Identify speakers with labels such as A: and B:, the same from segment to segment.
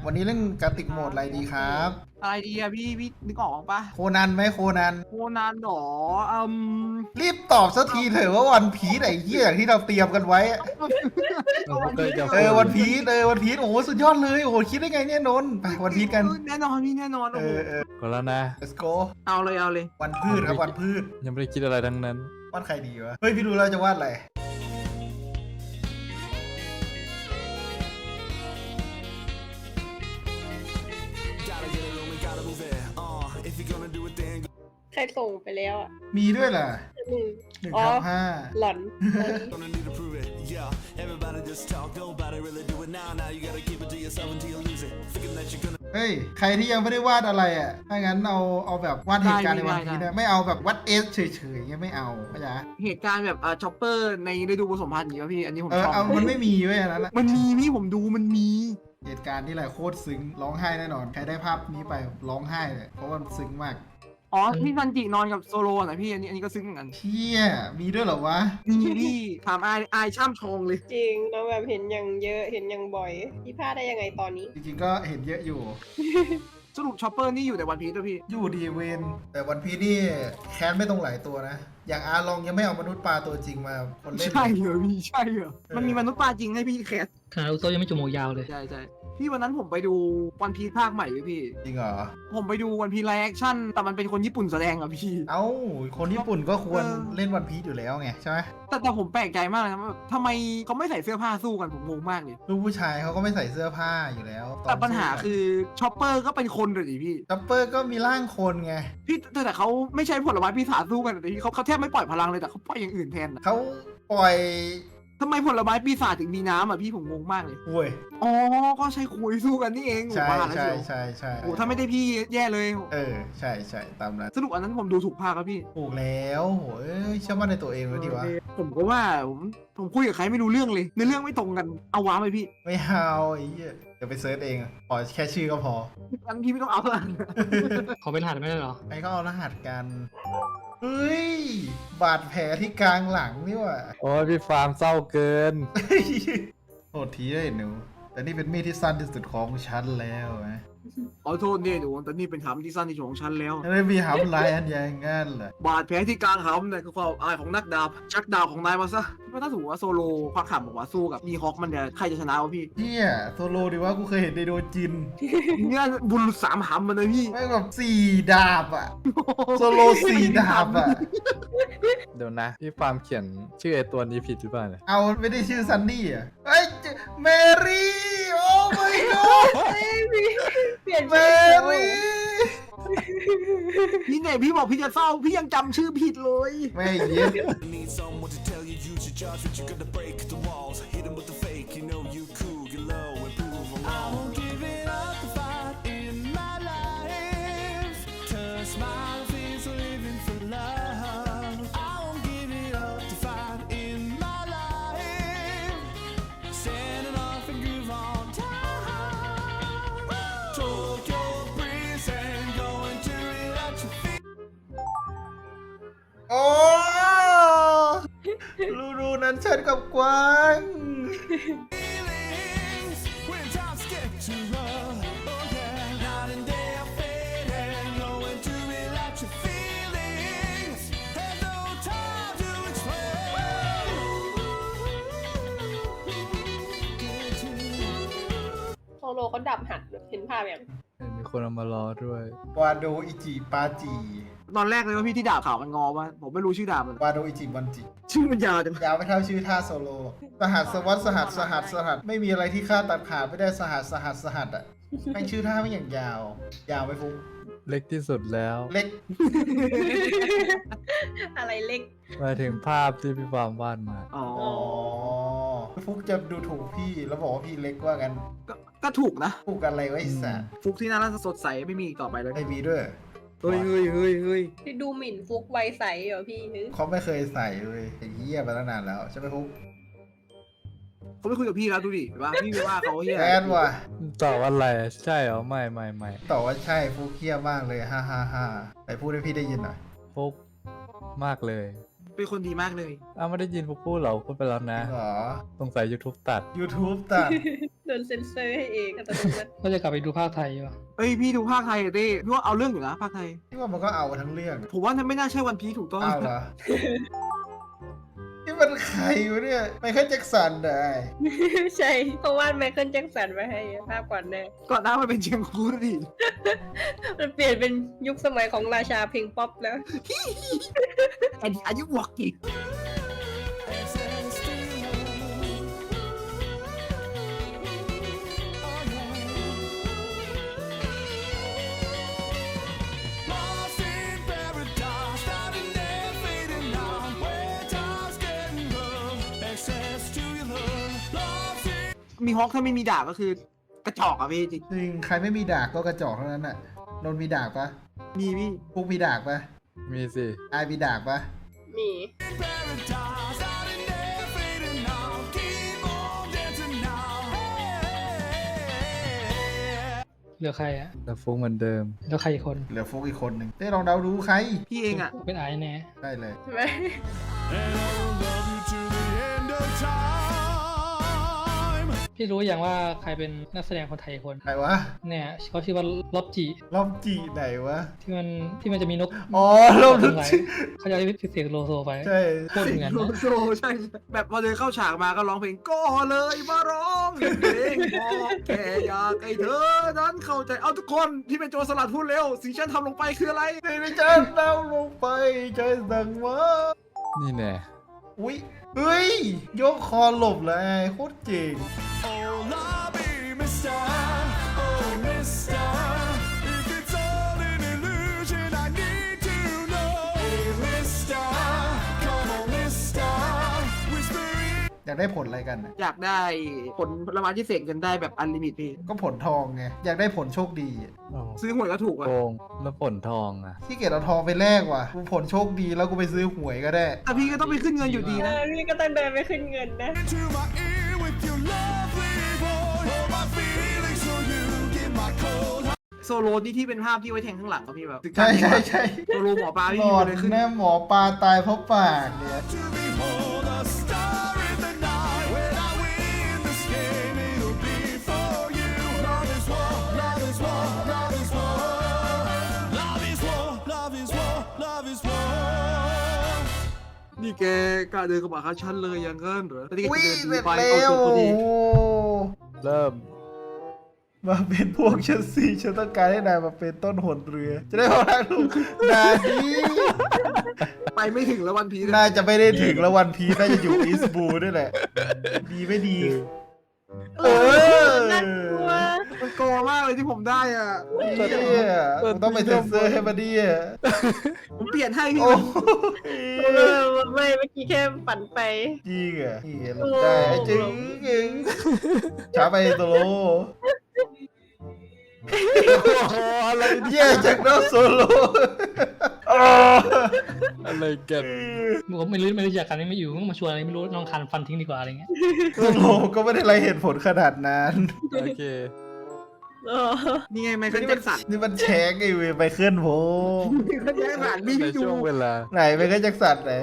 A: วันนี้เรื่องการติกโหมดอะไรดีครับ
B: อะไรดีอะพี่นึกออกปะ
A: โคนันไหมโคนัน
B: โคนันหรอ
A: รีบตอบสักทีเถอะว่าวันพีซไอ้เหี้ยอย่างที่เราเตรียมกันไว้
B: วันพีช
A: วันพีซวันพีซโอ้โหสุดยอดเลยโอ้โหคิดได้ไงเนี่ยนนท์ไปวันพีซกัน
B: แน่นอนพี่แน่นอนโอ้โห
C: ก็แล้วนะ
A: let's go
B: เอาเลย
A: วันพืชครับวันพืช
C: ยังไม่ได้คิดอะไรทั้งนั้น
A: วาดใครดีวะเฮ้ยพี่รู้แล้วจะวาดอะไร
D: ใครส่งไปแล้วอ่ะ
A: มีด้วยล่ะ
D: หนึ่ง
A: 1/5
D: หล่อน
A: เฮ้ยใครที่ยังไม่ได้วาดอะไรอ่ะถ้างั้นเอาแบบวาดเหตุการณ์ในวันพีซนะไม่เอาแบบวัดเอสเฉยๆอย่างเงี้ยไม่เอาเข้าใจ
B: เหตุการณ์แบบช็อปเปอร์ในฤดูผสมพันธุ์อย่างเงี้ยพี่อันนี้ผมชอบ
A: เอามันไม่มีเว้ยอันนั้นอะ
B: มันมีพี่ผมดูมันมี
A: เหตุการณ์ที่ไรโคตรซึ้งร้องไห้แน่นอนใครได้ภาพนี้ไปร้องไห้เลยเพราะว่ามันซึ้งมาก
B: อ๋อพี่ซันจินอนกับโซโลนะพี่อันนี้ก็ซึ้งเหมือนกัน
A: เชี่ยมีด้วยเหรอวะ
B: มีพี่ถามอายช่ำชองเลย
D: จริงเราแบบเห็นอย่างเยอะเห็นอย่างบ่อยพี่พลาดได้ยังไงตอนนี้
A: จริงๆก็เห็นเยอะอยู่
B: สรุปช็อปเปอร์นี่อยู่แต่วันพีชด้วยพี่
A: อยู่ดีเวนแต่วันพีนี่แค้นไม่ตรงหลายตัวนะ อย่างอาลองยังไม่เอามนุษย์ปลาตัวจริงมาคนเล่น
B: ใช่เหรอพี่ใช่เหรอมันมีมนุษย์ปลาจริงให้พี่แคส
E: คาราโซยังไม่จมูกยาวเลย
B: ใช่พี่วันนั้นผมไปดูวันพีชภาคใหม่เลยพี่
A: จริงเหรอ
B: ผมไปดูวันพีไลฟ์แอคชั่นแต่มันเป็นคนญี่ปุ่นแสดงอะพี่
A: เอ้าคนญี่ปุ่นก็ควร
B: เออ
A: เล่นวันพีอยู่แล้วไงใช่ไหม
B: แต่ผมแปลกใจมากเลยนะว่าทำไมเขาไม่ใส่เสื้อผ้าสู้กันผมงงมากเลย
A: ลูกผู้ชายเขาก็ไม่ใส่เสื้อผ้าอยู่แล้ว
B: แต่ปัญหาคือช็อปเปอร์ก็เป็นคนเลยดิพี่
A: จัปเปอร์ก็มีร่างคนไง
B: พี่แต่เขาไม่ใช่ผลไม้ปีศาจสู้กันแต่พี่เขาแทบไม่ปล่อยพลังเลยแต่เขาปล่อยอย่างอื่นแทนอะ
A: เขาปล่อย
B: ทำไมผลไม้ปีศาจถึงมีน้ำอ่ะพี่ผมงงมากเลย
A: โอ้ย
B: อ๋อก็ใช้คุยสู้กันนี่เอง
A: ใช่
B: ผมว่าแล้ว
A: ใช่
B: เชียว
A: ใช่
B: โอ้ถ้าไม่ได้พี่แย่เลย
A: ใช่ตามนั้น
B: สรุปอันนั้นผมดูถูกภาคครับพี่
A: ถูกแล้วโอ้ยเชื่อมั่นในตัวเองเลยดีวะ
B: ผมก็ว่าผมคุยกับใครไม่รู้เรื่องเลยในเรื่องไม่ตรงกันเอาว้าไปพี่
A: ไม่เอาไอ้เหี้ยเดี๋ยวไปเซิร์ชเองขอแค่ชื่อก็พอ
B: อันพี่ไม่ต้องเอาละ
E: ขอเป็นหัดไม่ได้เหรอ
A: ไอ้ก็เอารหัสกัน เฮ้ย บาดแผลที่กลางหลังนี่ว่ะ
C: โอ้ยพี่ฟาร์มเศร้าเกิน
A: โทษทีได้หนู แต่นี่เป็นมีดที่สั้นที่สุดของฉันแล้วนะ
B: ขอโทษเนี่ยหนูแต่นี่เป็นคำที่สั้นที่สุดของฉันแล้ว
A: ไม่มีหำลายอันอย่างงั้นเหรอบ
B: าดแผลที่กลางหำเนี่ยคือความอายของนักดาบชักดาบของนายมาซะว่าถ้าสมมติว่าโซโลควักขำบอกว่าสู้กับมีฮอคมันเนี่ยใครจะชนะวะพี่
A: เฮียโซโลดีว่ากูเคยเห็นในโดจิน
B: เนี่ยบุรุษสามหำมันเลยพี่
A: แม่งแบบ4 ดาบอะโซโล4 ดาบอะ
C: เดี๋ยวนะ พี่ฟาร์มเขียนชื่อไอตัวนี้ผิดหรือเปล่าเนี่ย
A: เอาไม่ได้ชื่อซันนี่อะเฮ้ยเมรี่โอ้ my god
D: เปลี่ยน
A: เม
D: ชื่อ
A: รี่
B: พี่เนี่ยพี่บอกพี่จะเศร้าพี่ยังจำชื่อผิดเลย
A: ไม่เย็น
F: Need someone to tell you you should charge, but you gotta break the walls. Hit 'em with the fake, you know you cool, get low and prove 'em wrong. I won't give it up the fight in my life. Turn smile face living for love. I won't give it up the fight in my life. Standing off and groove on time. Tokyo breeze and going to it at your feet.
A: โอ้รูนั้นฉันกับกวาง
F: Feelings when times get too rough. Oh yeah, night and day I fade and going to relax your feelings. Have no time to explain.
D: โซโลเขาดับหัดเห็นภาพยัง
C: มีคนเอามารอด้วย
A: วาโดอิจิปาจิ
B: ตอนแรกเลยว่าพี่ที่ดาบขาวมันงอวะผมไม่รู้ชื่อดาบมัน
A: วาโดอิจิบันจิ
B: ชื่อมันยาวจัง
A: ยาวไม่เท่าชื่อท่าโซโล สหัสสวัสดสหัสไม่มีอะไรที่ค่าตัดขาดไม่ได้สหัสอ่ะแม่งชื่อท่าไม่อย่างยาว ยาวไหมฟุ๊ก
C: เล็กที่สุดแล้ว
A: เล็ก
D: อะไรเล็ก
C: หมายถึงภาพที่พี่ฟาร์มวาดมา
B: อ๋อ
A: อ๋อฟุ๊กจะดูถูกพี่แล้วบอกว่าพี่เล็กว่ากัน
B: ก็ถูกนะ
A: ถูกกันอะไรไวะไอ้สัส
B: ฟุกที่น่ารักสดใสไม่มีอีกต่อไปเลย
A: ไอมีด้วย
B: เฮ้ย
D: ที่ดูหมิ่นฟุกไวใสเหรอพี่ฮึ
A: เขาไม่เคยใส่เลยไอ้เหี้ยมาตั้งนานแล้วใช่ไหมฟุ๊ก
B: เขาไม่คุยกับพี่แล้วดูดิว่าพี่ไม่ว่าเขาเฮีย
A: แอดว่ะ
C: ตอบอะไรใช่เหรอ ไม่
A: ตอบว่าใช่ฟุ๊กเหี้ยมากเลยฮ่าแต่พูดให้พี่ได้ยินหน่อย
C: ฟุกมากเลย
B: เป็นคนดีมากเลย
C: อ้าวไม่ได้ยินฟุกพูดเหรอพูดไปแล้วนะ
A: เหรอ
C: สงสัย YouTube ตัด
A: YouTube ตัด
D: โดนเซ็นเซอร์ให้เองอัตโนมัติ
E: ก็จะกลับไปดูภาคไทยอยู่
B: เอ้ยพี่ดูภาคไทยอะเต้พี่ว่าเอาเรื่องอยู่นะภาคไทย
A: ที่ว่ามันก็เอาทั้งเรื่อง
B: ผมว่าไม่น่าใช่วันพีถูกต้อง
A: เอาเหรอ นี่มันใครวะเนี่ยไมเคิลแจ็คสันได้
D: ใช่เพราะว่าไมเคิลแจ็คสันมาให้ภาพก่อนแน่
B: ก่อนหน้ามันเป็นเชียงคูดิ
D: มันเปลี่ยนเป็นยุคสมัยของราชาเพลงป๊อปแล้ว
B: แอนอายุวอกกี้
F: Lost in paradise, starting there, fading now. Where time's getting rough, access to your love. Lost in
B: มีฮอกถ้าไม่มีดาบก็คือกระจอกอะพี่จริง
A: จริงใครไม่มีดาบก็กระจอกเท่านั้นน่ะนนท์มีดาบปะ
B: มีพี่
A: พวกมีดาบปะ
C: มีสิ
A: อายมีดาบปะ
D: มี
F: paradise, starting there, fading now. Keep on dancing now. Hey.
E: เหลือใครอะ
C: แต่ฟุ้งเหมือนเดิม
E: เหลือใครอีกคน
A: เหลือฟุกอีกคนหนึ่งได้ลองเดาดูใคร
B: พี่เองอะ
E: เป็นไอ้แน่
A: ได้เลย
D: ใช่ไหม
F: And I will love you to the end of time.
E: พี่รู้อย่างว่าใครเป็นนักแสดงคนไทยอีกคน
A: ใครวะ
E: เนี่ยเขาชื่อว่าลบจิ
A: ลอมจีไหนวะ
E: ที่มันจะมีนก
A: อ๋อลอม
E: น
A: จี
E: กไหลเขาจะพิเศษโลโซไป
A: ใช่
E: โคตรเหมือน
B: โล
E: นะ
B: โซใช่แบบพอเดินเข้าฉากมาก็ร้องเพลงก็เลยมาร้องเพลงบอกแค่อยากให้เธอนั้นเข้าใจเอาทุกคนที่เป็นโจรสลัดพูดเร็วสิ่งฉันทำลงไปคืออะไร
A: ไม่ใช่เดาลงไปใจสั่งว่า
C: นี่แน่
A: อุ้ยเฮ้ยยกคอหลบเลยโคตรเจ๋ง
F: Oh, lobby, mister. Oh, mister. If it's all an illusion, I need to know. Hey, mister. Come on, mister. Whispering.
A: อยากได้ผลอะไรกันน่ะ
B: อยากได้ผลผลไม้ที่เสกกันได้แบบอันลิมิตพี่
A: ก็ผลทองไงอยากได้ผลโชคดี
B: ซื้อหวยก็ถูกอะ
C: โกงแล้วผลทองอ่ะ
A: ที่เกียจเอาทองไปแลกว่ะกูผลโชคดีแล้วกูไปซื้อหวยก็ได้
B: แต่พี่ก็ต้องไปขึ้นเงินอยู่ดีนะ
D: พี่ก็ต้องเดินไปขึ้นเงินนะ
F: Into my ear with your lovely voice. Hold my feelings so you get my cold heart.
B: โซโลนี่ที่เป็นภาพที่ไว้แทงข้างหลังครับพี่แบบ
A: ใช่ใช่ใช่
B: โซโลหมอปลาพี่
A: หล
B: มี
A: อด
B: อะไรขึ้น
A: แน่หมอปลาตายเพราะปากเนี่ย
F: To behold a star in the night. When I win this game, it'll be for you. Love is war, love is war, love is war. Love is war, love is war, love is war.
B: นี่แกกล้าเดินเข้ามาหาฉันเลยอย่างนั้นเหรอแต่ที่แก
A: อุ้ย
B: จะเดิน
A: เสร็
B: ดี
A: จ
B: ไป
A: แล้
B: เอา
A: ว
B: ตัว
A: โอ้
B: ดี
A: โห
C: เริ่ม
A: มาเป็นพวกฉันสิฉันต้องการให้นายมาเป็นต้นหนเรือ จะได้พอได้ถูกนาดี
B: ไปไม่ถึงแล้ววันพีช
A: น่าจะไม่ได้ถึงแล้ววันพีน่าจะอยู่อีสบูด้วยแหละ ดีไม่ดี เออ
D: น่ากลัว
B: มันโกงมากเลยที่ผมได้อ่ะ
A: เนี่ยมึงต้องไปเซ็นเซอร์ให้มาดีอ่ะ
B: ผมเปลี่ยนให้พี่
A: โอ้
D: ไม่เมื่อกี้แค่ฝันไป
A: จริงอ่ะนี่หลบได้จริงจริงช้าไปโซโล
C: อะไร
A: แย่จากน้องโซโล
C: อะไรกัน
E: ผมไม่รู้จักกันไม่อยู่มึงมาชวนอะไรไม่รู้น้องคันฟันทิ้งดีกว่าอะไรเงี้ย
A: โซโลก็ไม่ได้ไรเหตุผลขนาดนั้น
C: โอเค
B: นี่ไงไมเคิลแจ็คสัน
A: นี่มันแชงไอ้เวยไปเคลื่อนผม
B: ไมเคิลแจ็คสันพี่
C: ใน
B: ดู
C: ช่วงเวลา
A: ไหนไปเคลื่อนจักสันไหน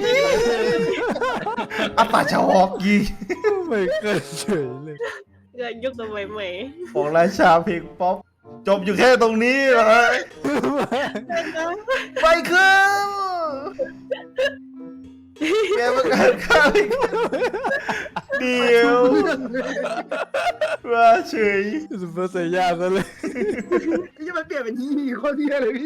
A: อาปาชาวอกยิง
C: ไม่เคยเฉยเลย
D: เกิดยุคสมัยใหม่
A: ของราชาเพลงป๊อปจบอยู่แค่ตรงนี้เหรอไปขึ้นแกประกาศฆ่าไปเดี๋ยวว่าเฉย
C: ซุปเปอร์ไซย่าซะเลย
B: นี่มันเปลี่ยนเป็นฮีโคตรเที่ยเลยพี่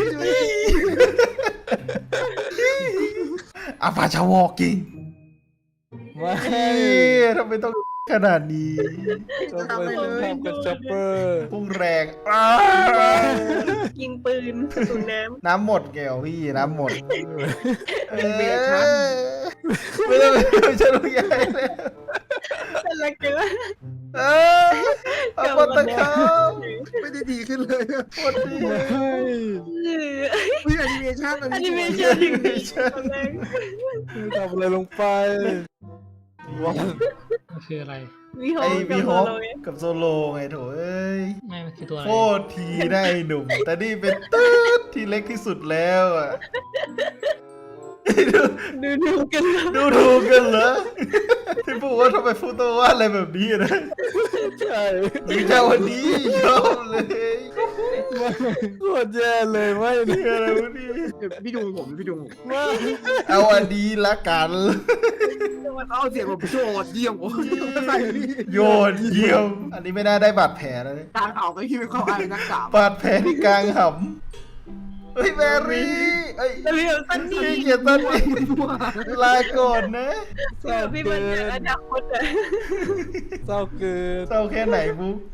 A: อาปาชาวอกยิง
C: ไม่
A: ทำไมต้องขนาดนี้
C: จะไปทำกับช็อปเปอร์
A: พุ่งแรงอ้า
D: ยิงปืนกระสุนน้
A: น้ำหมดแกวพี่น้ำหมด
B: เป็นเบสครับ
A: ไม่ได้ไม่ใช่ลูกใหญ่เลย
D: ำเป็นอะไรกันวะ
A: เอาปตะเขา
B: ไม่ได้ดีขึ้นเลยอะ
A: หมดดี
B: อุ้ยแอนิเมชัน
D: แอนิเมชั่นถึงดีตอนแรก
C: ทำอะไรลงไปวัน
E: มันคืออะไร
D: มีโฮ
A: ไอ้
D: กั
A: มี
D: บ
A: ฮ
D: โซ
A: อป
D: โลไง
A: กับโซโลไงโถเอ้ย
E: ไม่มันคือตัวอะไร
A: โคตรทีได้หนุ่ม แต่นี่เป็นตืดที่เล็กที่สุดแล้วอ่ะ
D: ดูกันแล้ว
A: ดูถูกกันเหรอที่พูดว่าทำไมพูดตัวว่าอะไรแบบนี้นะ
C: ใช่
A: ดีจ้าวันนี้ชอบเลย
C: โคตรแย่เลยไม่
A: นี่
C: เนี่ย
A: อะไรวะเนี่ย
B: พี่ดูผมพี่ดูผม
C: ไม่
A: เอาอันนี้ละกัน
B: เอาเสียงผมโจดเยี่ยมโอ้ยใส่พี่
A: โยนเยี่ยม อันนี้ไม่น่าได้บาดแผลนะเนี่ย
B: ทางเอาไปที่ไม่เข้าไอ้นักกราบบ
A: าดแผลที่กลางหำเฮ้ยแมรี่เอ้ย
D: เรื่องสั้นนี่
A: พี่เกียรติตันนี่ลาก่อนนะ
C: เศร้า
D: พี่
C: เกิ
D: มันจากอน นาคตอะ
C: เศร้าเกิน
A: เศร้าแค่ไหนบุ๊ก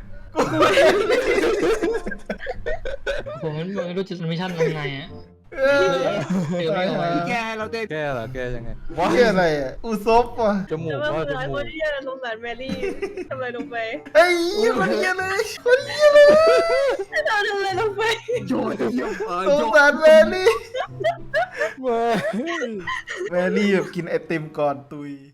E: ผมไม่รู้จุดมิชชั่นทำไงอ่ะ
A: เออ
E: ตายหา
B: แกเราเต้น
C: แก้เหรอแก้ยังไง
A: ว่าอะไรอ่ะอุซบว่ะ
C: จมูก
D: แต่ว่า
C: ว่า
D: เมื่
C: จ
D: อ
C: มู
D: ค
C: ก
D: นที่จะสงสารแมรี่ทำอะไรลงไป
A: เฮ้ยคนเยี่ยเลยคนเยี่ยเลย
D: ทำอะไรลงไป
B: โจดเยี่ยม
A: สง
B: โจด
A: สารแมรี่
C: ไม่
A: แมรี่แบบกินไอติมก่อนตุย